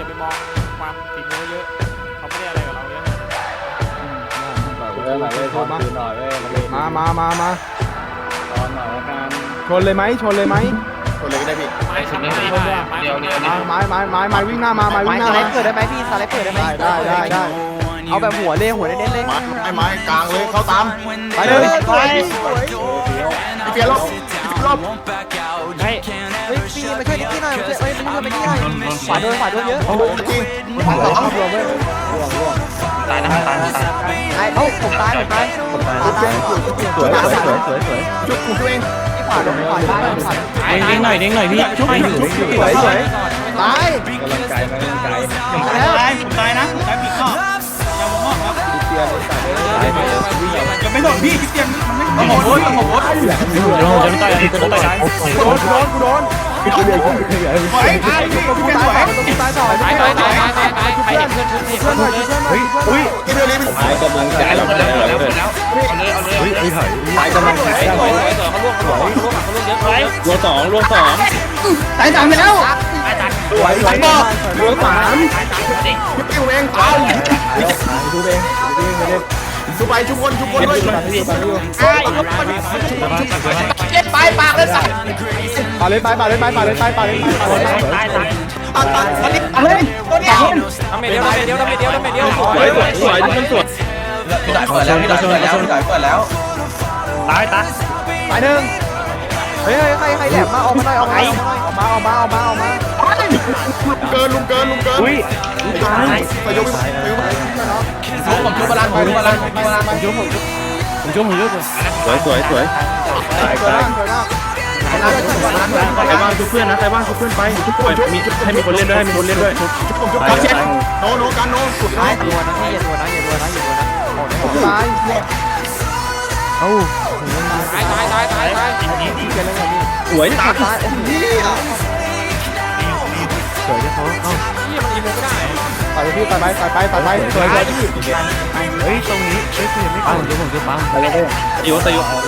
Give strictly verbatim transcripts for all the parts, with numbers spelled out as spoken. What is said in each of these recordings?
อย่าไปมองความฝีมือเยอะเขาไม่ได้อะไรกับเราเยอะมามามามาตอนหน่อยละกันชนเลยไหมชนเลยไหมชนเลยก็ได้พี่ไม้ทำไม่ได้ไม้เดียวเดียวไม้ไม้ไม้ไม้วิ่งหน้ามาไม้วิ่งหน้าสไลด์เกิดได้ไหมพี่สไลด์เกิดได้ไหมได้ได้ได้เอาแบบหัวเลยหัวเน้นๆเลยไม้ไม้กลางเลยเข้าตามไปเลยไปพี่เปียรอบรอบเฮ้ยเฮ้ยพี่มาช่วยนิกกี้หน่อยเฮ้ยมาช่วยนิกกี้หน่อยขวาโดนขวาโดนเยอะโอ้โหจริงขวาสองรวมเว้ยตายนะตายตายตายเอ้าผมตายผมตายผมตายตายสวยสวยสวยสวยจุดของตัวเองที่ขวาโดนขวาตายขวาเด้งหน่อยเด้งหน่อยพี่ชุบไม่อยู่สวยสวยตายกำลังใจกำลังใจผมตายแล้วตายผมตายนะผมตายปีกข้อยาวงอกครับเปียร์ใส่ยังไม่โดนพี่ที่เตียงมันไม่โดนโดนโดนเดี๋ยวจะไม่ตายอะไรจะไม่ตายโดนโดนกูโดนกูเดือดกูเดือดสวยตายพี่กูพี่ตายสวยกูตายต่อตายตายตายตายตายตายใครเห็นเพื่อนชุบเพื่อนเพื่อนหน่อยเพื่อนหน่อยอุ้ยกินเดือดเลยเป็นให้กำลังใจเราแล้วแล้วแล้วเฮ้ยไม่ถอยให้กำลังใจสวยสวยเขาล่วงเขาล่วงเขาล่วงเขาล่วงเยอะเลยรวมสองรวมสองตายสามแล้วสวยสวยบอกรวมสามชุบเองตายชุบเองชุบเองไม่ได้ชุบไปชุบคนชุบคนด้วยเจ็บไปปากเลยสัตว์ปาเลยไปปาเลยไปปาเลยไปปาเลยไปปาเลยไปตายตายตัดตัดอันนี้อันนี้ตัวเดียวทำเมเดียวทำเมเดียวทำเมเดียวทำเมเดียวสวยสวยสวยสวยมันสวยพี่ด่ายเปิดแล้วพี่ด่ายเปิดแล้วพี่ด่ายเปิดแล้วตายตายไปหนึ่งเฮ้ยใครใครแหลมมาออกมาหน่อยออกมาออกมาออกมาออกมาออกมาออกมาเกินลุงเกินลุงเกินอุ้ยตายไปยกไปยกไปชุบผมชุบบาลานผมชุบบาลานผมบาลานผมชุบผมผมช่วยผมช่วยสวยสวยสวยตายตายตายใครว่างชุบเพื่อนนะใครว่างชุบเพื่อนไปชุบปล่อยมีให้มีคนเล่นด้วยให้มีคนเล่นด้วยผมจุกกันเช็ดโนโนกันโนสุดท้ายอย่านะพี่อย่าตัวนะอย่าตัวนะอย่าตัวนะออกได้ออกตายเอ้าตายตายตายตายตายสวยตายตายโอ้โหสวยที่เขาเอ้าพี่มันอีโมไม่ได้ไปพี่ไปไปไปไปไปสวยเลยพี่เฮ้ยตรงนี้เฮ้ยคุณยังไม่ปังเดี๋ยวผมจะปังไปเลยโยตโยสิ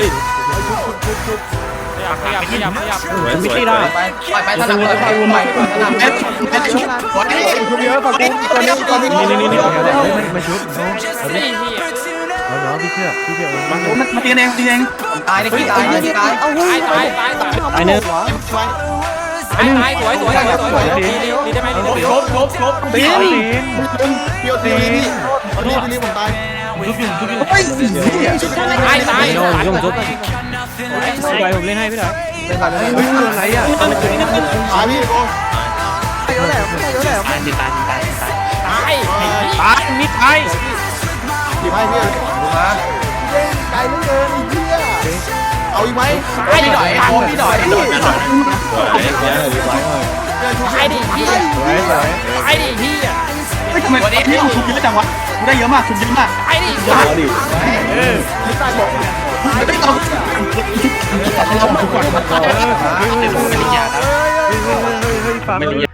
ขยับขยับขยับขยับสวยสวยได้ไปไปไปถนัดไปไปไปถนัดเอ็ดเอ็ดชุบหัวนี่ชุบเยอะฝั่งกูตอนนี้ตอนนี้นี่นี่นี่มาชุบนี่พี่เอาเนาะพี่เชื่อพี่เชื่อมันมันตีเองตีเองตายเลยพี่ตายเลยตายเอาเฮ้ตาย ยตายตายตายตายเนื้อตายตายสวยสวยสวยสวยดีดีดีได้ไหมดีได้ไหมชุบชุบชุบตีนเปียวตีนี่พี่นี่นี่ผมตายชุบอยู่ชุบอยู่เฮ้ยตายตายยงชุบพี่ดอยผมเล่นให้พี่ดอยเป็นไรเป็นไรเฮ้ยอะไรอ่ะตายพี่โอ้ไปเยอะแหลมไปเยอะแหลมตายตายตายตายตายตายมิดตายดีไหมพี่มาไกลเหลือเกินเหี้ยเอาอีกไหมไอ้พี่ดอยโอ้พี่ดอยพี่ดอยสวยเนี่ยดีไว้หน่อยตายดิพี่สวยสวยตายดิพี่อ่ะไม่ทำไมวันนี้พี่ชุบเยอะจังวะได้เยอะมากชุบเยอะมากตายดิเอาดิเออไม่ตายบอกไม่ต้องเฮ้ยเฮ้ยเฮ้ยเฮ้ยเฮ้ยฟาร์ม